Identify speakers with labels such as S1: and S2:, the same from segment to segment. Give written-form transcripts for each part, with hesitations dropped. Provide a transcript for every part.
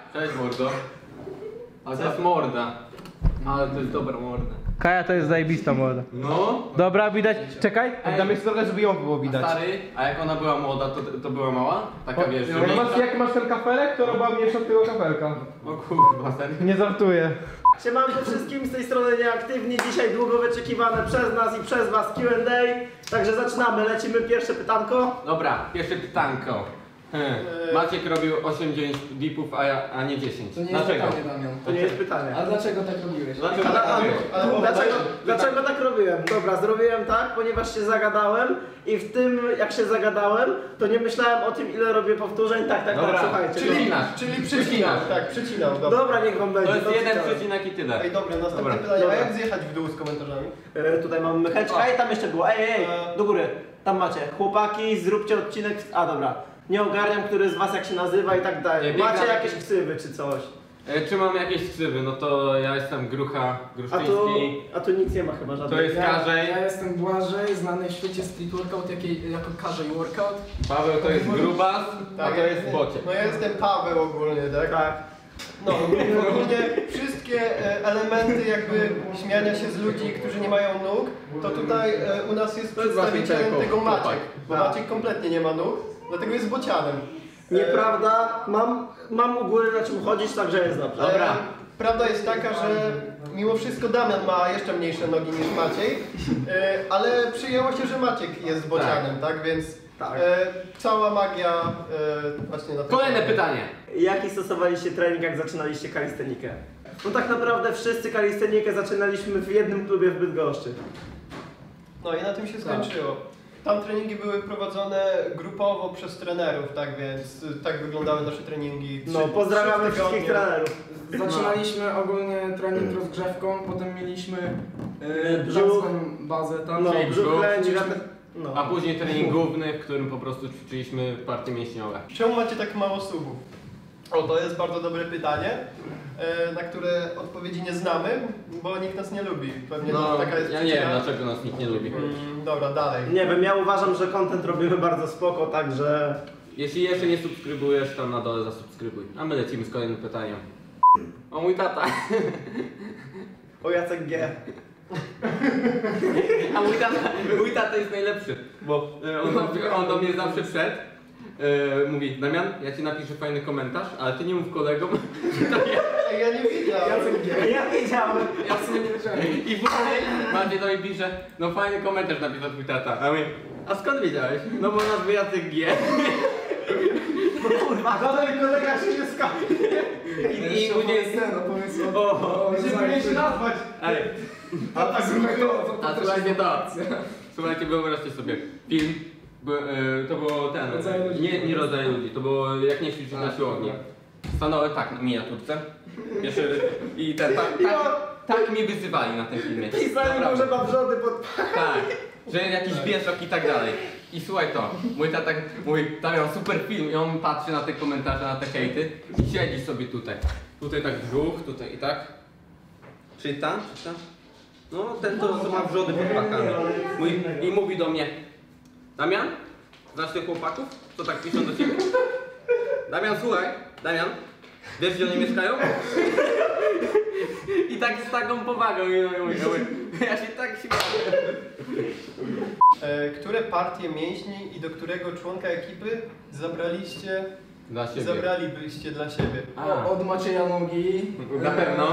S1: Cześć mordo. A to jest morda. Ale to jest dobra morda.
S2: Kaja to jest zajebista młoda.
S1: No.
S2: Dobra, widać. Czekaj, dam jeszcze trochę, żeby ją było widać.
S1: Stary, a jak ona była młoda, to była mała? Taka wiesz, że
S2: Jak masz ten kafelek, to robiła mniejsza od tego kafelka.
S1: O kurwa, serio?
S2: Nie żartuję.
S3: Siemanko wszystkim, z tej strony Nieaktywni. Dzisiaj długo wyczekiwane przez nas i przez was Q&A. Także zaczynamy, lecimy pierwsze pytanko.
S1: Dobra, pierwsze pytanko. Maciek robił 8-9 dipów, a nie 10.
S4: To nie jest
S1: Dlaczego?
S4: pytanie, Damian.
S3: To nie jest pytanie.
S4: A dlaczego tak robiłeś?
S1: Dlaczego tak robił?
S3: Dlaczego tak robiłem? Dobra, zrobiłem tak, ponieważ się zagadałem i w tym jak się zagadałem, to nie myślałem o tym, ile robię powtórzeń. Tak,
S1: Dobra,
S3: słuchajcie.
S1: czyli
S5: Przecinał, tak, przecinał. Dobra.
S3: Dobra, niech wam będzie.
S1: To jest
S3: dobrze,
S1: jeden
S3: chciałem.
S1: przecinek i tyle.
S5: Ej, dobra, następne
S1: Dobra.
S5: pytanie.
S3: Dobra.
S5: A jak zjechać w dół z komentarzami?
S3: Tutaj mamy mycheczka i tam jeszcze było. Ej, do góry. Tam macie. Chłopaki, zróbcie odcinek. A dobra. Nie ogarniam, który z was jak się nazywa i tak dalej.
S1: Nie,
S3: Macie
S1: biega-
S3: jakieś ksywy czy coś?
S1: Czy mam jakieś ksywy? No to ja jestem Gruszczyński.
S3: A tu nic nie ma chyba żadnych.
S1: To jest Karzej.
S4: Ja jestem Błażej, znany w świecie street workout jako Karzej workout.
S1: Paweł to jest Grubas, a to jest Bociek.
S5: No ja jestem Paweł ogólnie, tak?
S3: Tak.
S5: No, ogólnie wszystkie elementy jakby śmiania się z ludzi, którzy nie mają nóg, to tutaj u nas jest
S1: To jest właśnie
S5: przedstawicielem
S1: ten
S5: tego
S1: chłopak.
S5: Maciek, bo
S3: Tak.
S5: Maciek kompletnie nie ma nóg, dlatego jest bocianem.
S3: Nieprawda, mam u góry na czym chodzić, także jest dobrze.
S1: Dobra.
S5: Prawda jest taka, że mimo wszystko Damian ma jeszcze mniejsze nogi niż Maciej, ale przyjęło się, że Maciek jest bocianem, tak? Więc
S3: Tak.
S5: cała magia właśnie na tym.
S1: Kolejne pytanie.
S3: Jaki stosowaliście trening, jak zaczynaliście kalistenikę? No tak naprawdę wszyscy kalistenikę zaczynaliśmy w jednym klubie w Bydgoszczy.
S5: No i na tym się skończyło. Tam treningi były prowadzone grupowo przez trenerów, tak więc tak wyglądały nasze treningi.
S3: No, pozdrawiamy wszystkich trenerów.
S4: Zaczynaliśmy ogólnie trening rozgrzewką, potem mieliśmy
S3: Brzuch.
S4: tak zwaną bazę tam.
S3: No,
S1: Czyli
S3: brzuch
S1: brzuch,
S3: lędzi,
S1: A
S3: no.
S1: później trening główny, w którym po prostu ćwiczyliśmy partie mięśniowe.
S5: Czemu macie tak mało subów? O, to jest bardzo dobre pytanie, na które odpowiedzi nie znamy, bo nikt nas nie lubi. Pewnie
S1: No,
S5: taka jest
S1: ja nie wiem
S5: przyczyna.
S1: dlaczego nas nikt nie lubi.
S5: Dobra, dalej.
S3: Nie wiem, ja uważam, że content robimy bardzo spoko, także...
S1: Jeśli jeszcze nie subskrybujesz, tam na dole zasubskrybuj. A my lecimy z kolejnym pytaniem. O mój tata.
S3: O Jacek G.
S1: A mój tata jest najlepszy, bo on do mnie zawsze wszedł. Mówi, Damian, ja ci napiszę fajny komentarz, ale ty nie mów kolegom.
S5: Ej, ja nie wiedziałem.
S3: Ja wiedziałem.
S4: Ja w sumie nie wiedziałem.
S1: I później Maciej do mnie pisze, no fajny komentarz napisał twój tata. A mówię, a skąd wiedziałeś? No bo nazwy Jacek G.
S3: Żaden kolega się nie skapie.
S1: I później...
S4: Opowiedz
S1: O,
S5: Się nazwać.
S1: Ej,
S5: Tata
S1: a słuchajcie to. Słuchajcie, wyobraźcie sobie, film. To było ten,
S4: Rodzaje ludzi.
S1: nie rodzaje ludzi, to było jak nie ćwiczyć na siłowni. Stanąłem tak na miniaturce. Jeszcze, i ten, tak mnie wyzywali na tym filmie.
S3: Pisali mu,
S1: Naprawdę.
S3: że ma wrzody pod...
S1: Tak, że jakiś wieszak i tak dalej. I słuchaj to, mój tata mówi, tam miał super film i on patrzy na te komentarze, na te hejty i siedzi sobie tutaj. Tutaj tak brzuch, tutaj i tak. Czyta. No ten to ma wrzody pod pakami. I mówi do mnie, Damian, znasz tych chłopaków, co tak piszą do ciebie? Damian, słuchaj, Damian, wiesz gdzie oni mieszkają? I tak z taką powagą i mówię, ja się tak śmieję.
S5: Które partie mięśni i do którego członka ekipy
S1: Dla siebie.
S5: zabralibyście dla siebie?
S4: Od Macieja nogi.
S1: Na pewno.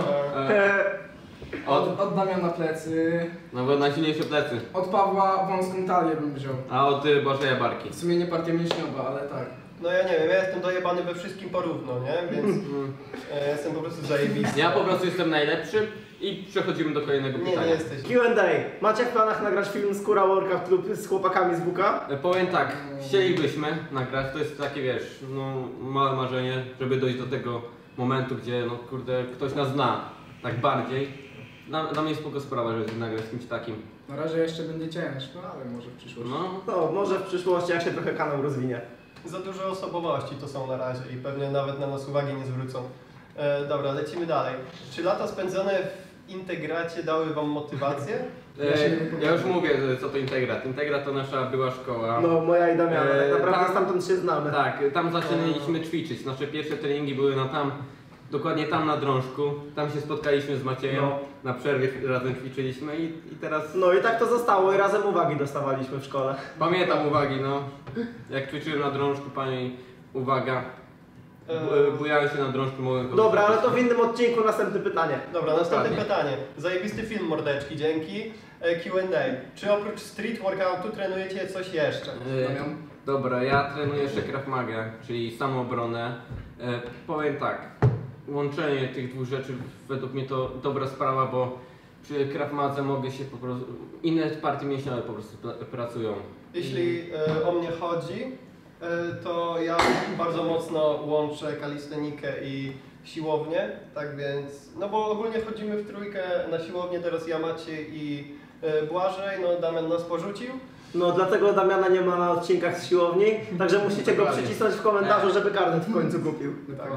S4: Od Damiana plecy.
S1: No bo najsilniejsze plecy.
S4: Od Pawła wąską talię bym wziął.
S1: A od Bożeja barki.
S4: W sumie nie partia mięśniowa, ale tak.
S5: No ja nie wiem, ja jestem dojebany we wszystkim porówno, nie? Więc jestem po prostu zajebisty.
S1: Ja po prostu jestem najlepszy i przechodzimy do kolejnego
S5: Nie
S1: pytania.
S5: jesteś.
S3: Q&A. Macie w planach nagrać film z Kura Workout lub z chłopakami z Buka?
S1: Powiem tak, chcielibyśmy nagrać, to jest takie wiesz, no małe marzenie, żeby dojść do tego momentu, gdzie no kurde, ktoś nas zna tak bardziej. Dla mnie jest spoko sprawa, żeby nagrać z kimś takim.
S4: Na razie jeszcze będzie ciężko, ale może w przyszłości.
S1: No,
S3: No, może w przyszłości, jak się trochę kanał rozwinie.
S5: Za dużo osobowości to są na razie i pewnie nawet na nas uwagi nie zwrócą. Dobra, lecimy dalej. Czy lata spędzone w integracie dały wam motywację?
S1: ja już mówię, co to Integrat. Integrat to nasza była szkoła.
S3: No, moja i Damiana, tak naprawdę
S1: tam-
S3: stamtąd się znamy.
S1: Tak, tam zaczynaliśmy ćwiczyć. Nasze pierwsze treningi były na tam dokładnie tam na drążku. Tam się spotkaliśmy z Maciejem,
S3: No.
S1: na przerwie razem ćwiczyliśmy i teraz
S3: No i tak to zostało i razem uwagi dostawaliśmy w szkole.
S1: pamiętam uwagi, no. Jak ćwiczyłem na drążku, pani uwaga. Bujałem się na drążku, mogłem
S3: Dobra, ale to w innym odcinku następne pytanie.
S5: Dobra, następne
S1: Dokładnie.
S5: pytanie. Zajebisty film, mordeczki, dzięki. Q&A. Czy oprócz street workoutu trenujecie coś jeszcze?
S4: Damian?
S1: Dobra, ja trenuję jeszcze Krav Maga, czyli samoobronę. Powiem tak, łączenie tych dwóch rzeczy według mnie to dobra sprawa, bo przy Krav Madze mogę się po prostu, inne partie mięśniowe po prostu pracują.
S5: Jeśli o mnie chodzi, to ja bardzo mocno łączę kalistenikę i siłownię, tak więc, no bo ogólnie chodzimy w trójkę na siłownię, teraz ja, Maciej i Błażej, no Damian nas porzucił.
S3: No dlatego Damiana nie ma na odcinkach z siłowni, także musicie go przycisnąć w komentarzu, żeby karnet w końcu kupił.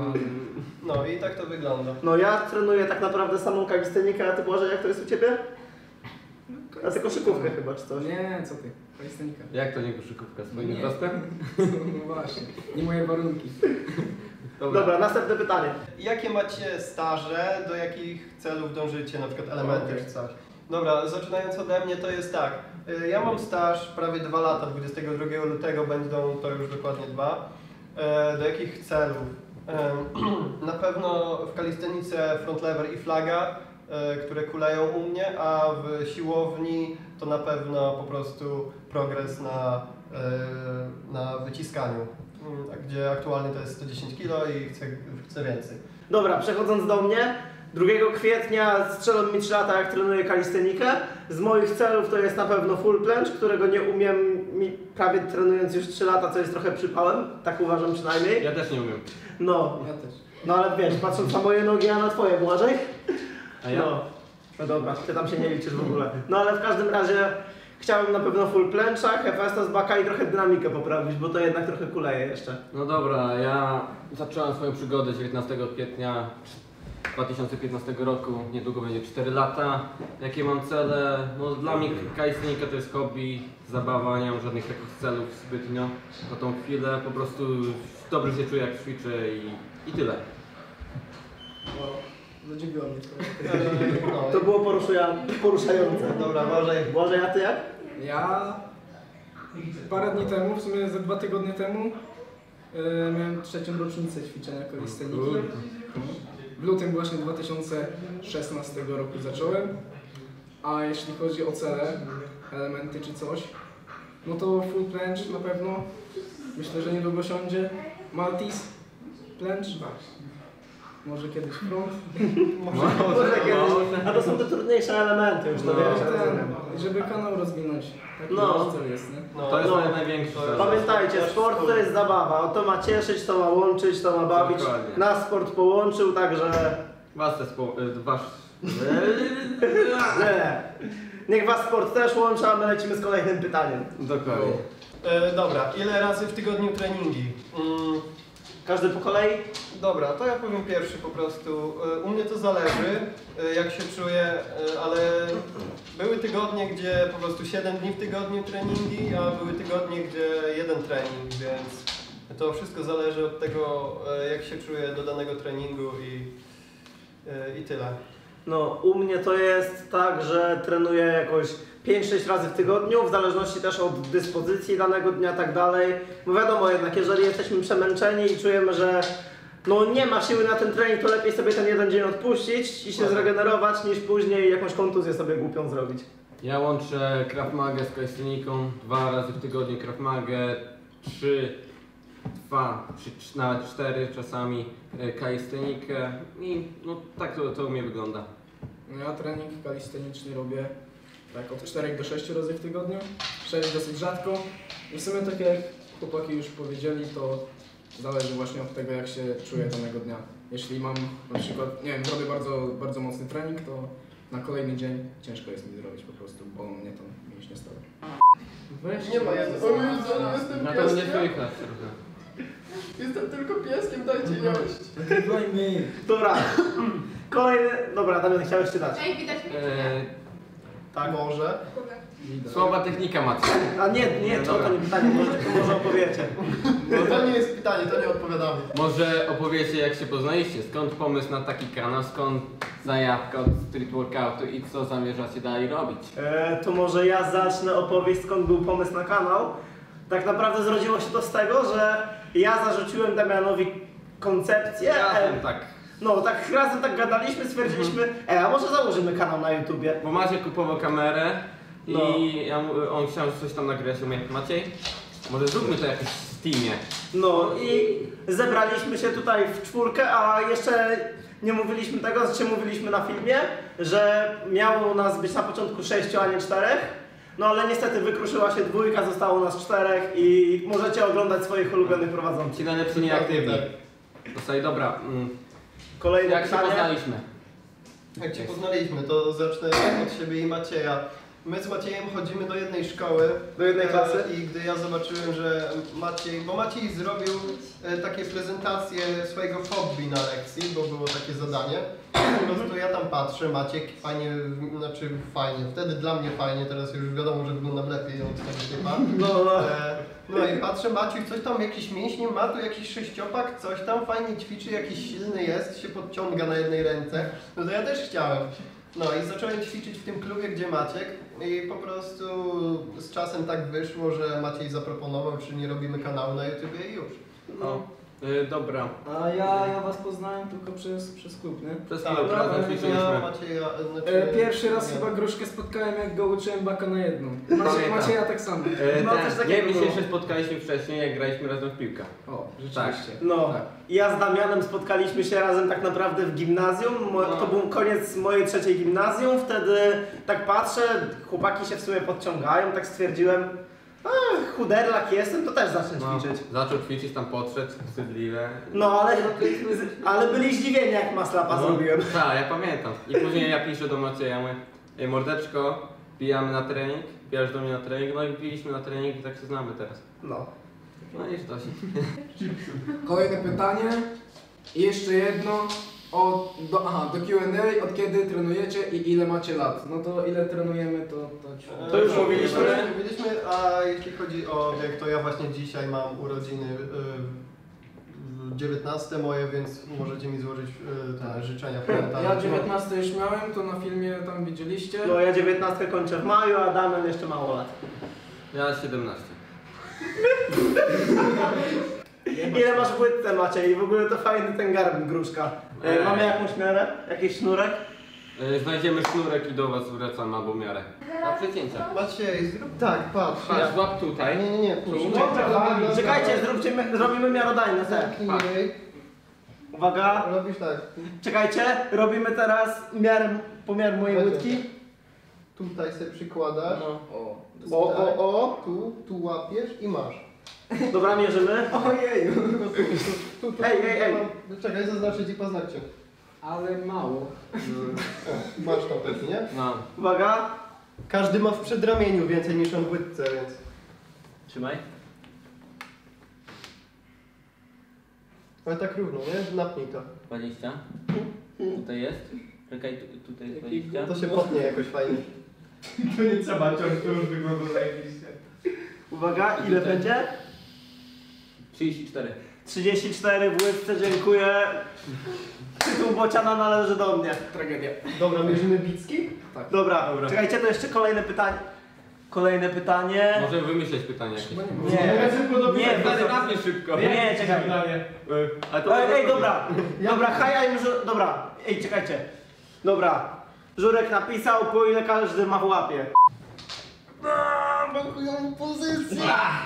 S5: No i tak to wygląda.
S3: No ja trenuję tak naprawdę samą kalistenikę, a ty Błażej, jak to jest u ciebie? A ty koszykówkę chyba czy coś?
S4: Nie, co ty? Kalistenika.
S1: Jak to nie koszykówka? Swoim
S4: Nie.
S1: wzrostem?
S4: No właśnie, nie moje warunki.
S3: Dobra, następne pytanie.
S5: Jakie macie staże, do jakich celów dążycie, na przykład elementy czy coś? Dobra, zaczynając ode mnie to jest tak. Ja mam staż prawie 2 lata, 22 lutego będą to już dokładnie 2. Do jakich celów? Na pewno w kalistenice front lever i flaga, które kuleją u mnie, a w siłowni to na pewno po prostu progres na wyciskaniu, gdzie aktualnie to jest 110 kg i chcę więcej.
S3: Dobra, przechodząc do mnie. 2 kwietnia strzelą mi 3 lata, jak trenuję kalistenikę. Z moich celów to jest na pewno full planche, którego nie umiem prawie trenując już 3 lata, co jest trochę przypałem, tak uważam przynajmniej.
S1: Ja też nie umiem.
S3: No,
S4: Ja też.
S3: no ale wiesz, patrząc na moje nogi, a na twoje, Błażej?
S1: A ja?
S3: No. No dobra, ty tam się nie liczysz w ogóle. No ale w każdym razie chciałem na pewno full plancha, Hefesta z baka i trochę dynamikę poprawić, bo to jednak trochę kuleje jeszcze.
S1: No dobra, ja zacząłem swoją przygodę 19 kwietnia 2015 roku, niedługo będzie 4 lata. Jakie mam cele? No dla mnie kalistenika to jest hobby, zabawa, nie mam żadnych takich celów zbytnio na tą chwilę. Po prostu dobrze się czuję jak ćwiczę i tyle.
S4: Wow, zadziwiło mnie to.
S5: No,
S3: To było poruszające.
S5: dobra, Błażej.
S3: Błażej, a ty jak?
S4: Ja parę dni temu, w sumie ze 2 tygodnie temu, miałem 3. rocznicę ćwiczenia kalisteniki. W lutym właśnie 2016 roku zacząłem. A jeśli chodzi o cele, elementy czy coś, no to full planche na pewno. Myślę, że niedługo siądzie. Maltese planche. Może kiedyś front.
S3: Może kiedyś. A to są te trudniejsze elementy już, to
S1: No,
S3: wiesz. ja rozumiem.
S4: Żeby kanał rozwinąć. Taki
S3: No.
S4: nasz cel jest, nie?
S5: No,
S1: To jest
S3: No.
S1: największy cel.
S3: Pamiętajcie, sport to jest zabawa. O to ma cieszyć, to ma łączyć, to ma bawić.
S1: Dokładnie.
S3: Nas sport połączył, także... Nie. Niech was sport też łączy, a my lecimy z kolejnym pytaniem.
S1: Dokładnie.
S5: Dobra, ile razy w tygodniu treningi?
S3: Każdy po kolei?
S5: Dobra, to ja powiem pierwszy po prostu. U mnie to zależy, jak się czuję, ale były tygodnie, gdzie po prostu 7 dni w tygodniu treningi, a były tygodnie, gdzie 1 trening, więc to wszystko zależy od tego, jak się czuję do danego treningu i tyle.
S3: No, u mnie to jest tak, że trenuję jakoś 5-6 razy w tygodniu, w zależności też od dyspozycji danego dnia, tak dalej. Bo wiadomo jednak, jeżeli jesteśmy przemęczeni i czujemy, że no nie ma siły na ten trening, to lepiej sobie ten jeden dzień odpuścić i się zregenerować, niż później jakąś kontuzję sobie głupią zrobić.
S1: Ja łączę Krav Magę z kalisteniką, 2 razy w tygodniu Krav Magę, 3, nawet 4 czasami kalistenikę i no tak to u mnie wygląda.
S4: No ja trening kalisteniczny robię tak od 4 do 6 razy w tygodniu. 6 dosyć rzadko. I w sumie tak jak chłopaki już powiedzieli, to zależy właśnie od tego, jak się czuję danego dnia. Jeśli mam na przykład, nie wiem, zrobię bardzo mocny trening, to na kolejny dzień ciężko jest mi zrobić po prostu, bo mnie tam mięśnie stały.
S5: Nie ma, jestem
S1: Na to nie słychać trochę.
S5: Jestem tylko pieskiem, dajcie jeść.
S3: Dobra, kolejny... Dobra, Damian, chciałeś czytać.
S6: Ej, widać mnie?
S5: Tak, może.
S1: Słaba technika macie.
S3: A nie, to nie pytanie, może opowiecie.
S5: No to nie jest pytanie, to nie odpowiadamy.
S1: Może opowiecie jak się poznaliście, skąd pomysł na taki kanał, skąd zajawka od street workoutu i co zamierzacie dalej robić?
S3: To może ja zacznę opowieść, skąd był pomysł na kanał. Tak naprawdę zrodziło się to z tego, że ja zarzuciłem Damianowi koncepcję.
S1: Tak.
S3: No tak razem tak gadaliśmy, stwierdziliśmy, a może założymy kanał na YouTubie.
S1: Bo Maciej kupował kamerę i
S3: No.
S1: on chciał coś tam nagrać. Ja mówię, Maciej, może zróbmy to jakoś w Steamie.
S3: No i zebraliśmy się tutaj w czwórkę, a jeszcze nie mówiliśmy tego, znaczy mówiliśmy na filmie, że miało nas być na początku 6, a nie 4. No ale niestety wykruszyła się 2, zostało nas 4 i możecie oglądać swoich ulubionych prowadzących.
S1: Ci najlepsi nieaktywni. Dostali, dobra.
S3: Kolejne
S1: Jak się
S3: pytanie.
S1: poznaliśmy?
S5: Jak cię poznaliśmy, to zacznę od siebie i Macieja. My z Maciejem chodzimy do jednej szkoły.
S3: Do jednej klasy?
S5: I gdy ja zobaczyłem, że Maciej, bo Maciej zrobił takie prezentacje swojego hobby na lekcji, bo było takie zadanie. Po prostu ja tam patrzę, Maciek fajnie, znaczy fajnie, wtedy dla mnie fajnie, teraz już wiadomo, że wyglądam lepiej od tego typa. No i patrzę, Maciej coś tam, jakieś mięśnie ma, tu jakiś sześciopak, coś tam fajnie ćwiczy, jakiś silny jest, się podciąga na jednej ręce. No to ja też chciałem. No i zacząłem ćwiczyć w tym klubie, gdzie Maciek i po prostu z czasem tak wyszło, że Maciej zaproponował, czy nie robimy kanału na YouTubie i już.
S1: No. Dobra.
S4: A ja was poznałem tylko przez klub, nie?
S1: Przez
S5: Tak,
S1: chwilę razem
S5: ja
S1: ćwiczyliśmy.
S5: Macieja,
S4: Pierwszy raz chyba Gruszkę spotkałem, jak go uczyłem baka na jedną.
S1: Pamiętam.
S4: Macieja tak samo.
S3: No, coś takiego
S1: Nie, my się
S3: było.
S1: jeszcze spotkaliśmy wcześniej, jak graliśmy razem w piłkę.
S4: O, rzeczywiście.
S3: No,
S1: Tak.
S3: ja z Damianem spotkaliśmy się razem tak naprawdę w gimnazjum. To był koniec mojej 3. gimnazjum. Wtedy tak patrzę, chłopaki się w sumie podciągają, tak stwierdziłem, chuderlak jestem, to też zacznę ćwiczyć.
S1: Zaczął ćwiczyć, tam podszedł, wstydliwe.
S3: No, ale byli zdziwieni, jak maslapa zrobiłem.
S1: Tak, ja pamiętam. I później ja piszę do Macieja, mówię, ej mordeczko, pijamy na trening, pijasz do mnie na trening, no i piliśmy na trening i tak się znamy teraz.
S3: No.
S1: No i to się.
S4: Kolejne pytanie. I jeszcze jedno. Do Q&A, od kiedy trenujecie i ile macie lat? No to ile trenujemy,
S3: To już mówiliśmy.
S5: Mówiliśmy, a jeśli chodzi o wiek, to ja właśnie dzisiaj mam urodziny 19 moje, więc możecie mi złożyć te życzenia pamiętane.
S4: Ja 19 już miałem, to na filmie tam widzieliście.
S3: No, ja 19 kończę w maju, a Damian jeszcze mało lat.
S1: Ja 17.
S3: Ile masz w łydce, Maciej? I w ogóle to fajny ten garbin, gruszka. Mamy jakąś miarę? Jakiś sznurek?
S1: Znajdziemy sznurek i do was wracam albo miarę. Na przecięcia.
S5: Maciej, zrób tak, patrz.
S1: Patrz, złap tutaj.
S5: Nie, puść.
S3: Czekajcie, zrobimy miarodajne te.
S5: Zamknij.
S3: Uwaga,
S5: Robisz tak.
S3: czekajcie, robimy teraz pomiar mojej łydki.
S5: Tutaj sobie przykładasz.
S1: No.
S5: Tu łapiesz i masz.
S3: Dobra, mierzymy.
S4: Ojeju,
S5: Tu,
S3: Ej.
S5: Czekaj, zaznaczę ci paznokcie.
S4: ale mało.
S5: Masz tam też, nie?
S1: No.
S3: Uwaga.
S5: Każdy ma w przedramieniu więcej niż on w łydce, więc...
S1: Trzymaj.
S5: Ale tak równo, nie? Napnij to.
S1: 20. Tutaj jest. Czekaj, tutaj jest 20.
S5: To się potnie jakoś fajnie.
S2: To nie trzeba ciąć, to już wygląda zajebiście.
S3: Uwaga, ile będzie?
S1: 34.
S3: 34 w łydce, dziękuję. Tytuł bociana należy do mnie.
S4: Tragedia.
S5: Dobra, mierzymy bicki?
S3: Dobra, czekajcie, to jeszcze kolejne pytanie. Kolejne pytanie.
S1: Możemy wymyśleć pytanie jakieś.
S3: Nie,
S1: Stary, napnij szybko.
S3: nie, czekaj.
S1: A to
S3: Ej, dobra, dobra, ej, czekajcie. Dobra, Żurek napisał, po ile każdy ma w łapie.
S5: Blokują pozycję!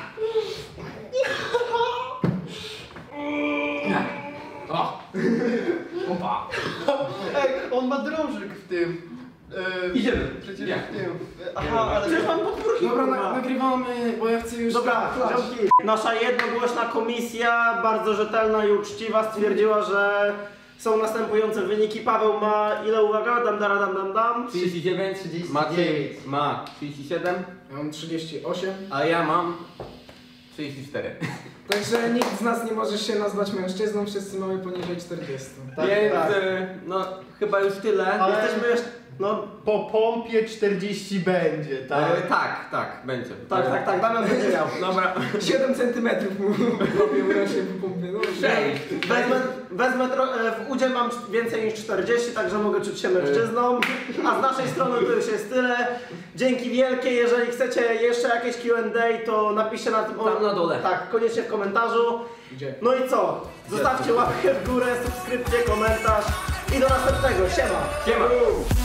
S1: O! Opa!
S5: Ej, on ma drążyk w tym.
S1: Idziemy.
S5: Przecież
S1: Jak?
S5: w tym. Aha, ale...
S3: Przecież mam podwórki.
S4: Dobra, nagrywamy, bo ja chcę już...
S3: Dobra,
S4: klacz.
S3: ziomki. Nasza jednogłośna komisja, bardzo rzetelna i uczciwa, stwierdziła, że są następujące wyniki. Paweł ma ile, uwaga? Dam.
S1: 39,
S5: 39.
S1: Maciej ma 37,
S4: Ja mam 38.
S1: a ja mam 34.
S4: Także nikt z nas nie może się nazwać mężczyzną, wszyscy mamy poniżej 40.
S5: Tak,
S1: Więc
S5: tak.
S1: no chyba już tyle.
S5: Ale-
S3: Jesteśmy jeszcze... No,
S5: Po pompie 40 będzie, tak?
S1: Tak, będzie.
S3: tak, Damian będzie miał.
S1: Dobra.
S4: 7 cm mu robię rośnie po pompie. No,
S1: 6.
S3: W udzie mam więcej niż 40, także mogę czuć się mężczyzną. A z naszej strony to już jest tyle. Dzięki wielkie, jeżeli chcecie jeszcze jakieś Q&A, to napiszcie na tym...
S1: Tam na dole.
S3: Tak, koniecznie w komentarzu.
S4: Gdzie?
S3: No i co? Zostawcie łapkę w górę, subskrypcję, komentarz i do następnego. Siema!
S1: Siema.